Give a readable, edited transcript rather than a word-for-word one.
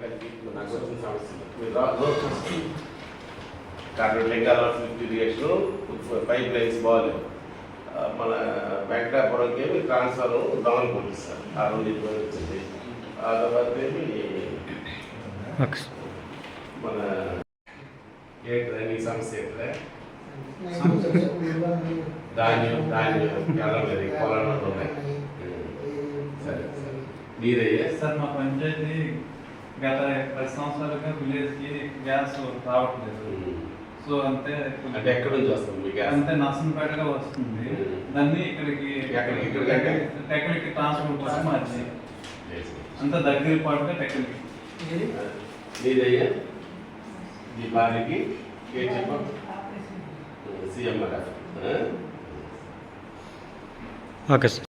కలిపి నాకు వచ్చిన సమస్యలు మీరు కార్బన్ లింగాల ఇరిగేషన్ పైప్ లైన్స్ బాగాలేవు. మన వెంకటాపురంకి ఏమి ట్రాన్స్ఫర్ దమన్ పంపిస్తారు. ఆ రోజు ఇబ్బంది వచ్చింది. ఆ తర్వాత ఏమి మన ఏ ట్రైనింగ్ సమస్య ఎక్కడ ధాన్యం ఎల్లలేదు పొలంలో ఉన్నాయి. సరే సరే మీరయ్యా సార్ మా పంచాయతీ గత 10 సంవత్సరాలుగా విలేజ్కి గ్యాస్ రావట్లేదు. సో అంటే ఎక్కడి నుంచి వస్తుంది మీ గ్యాస్? అంటే నర్సంపేటగా వస్తుంది. దాన్ని ఇక్కడికి టెక్నిక్ ట్రాన్స్ఫర్ కోసం మార్చి అంత దగ్గర పాటుగా టెక్నిక్ మీదయ్యా మీ భార్యకి ఏ చెప్పండి సీఎం ఓకే సార్.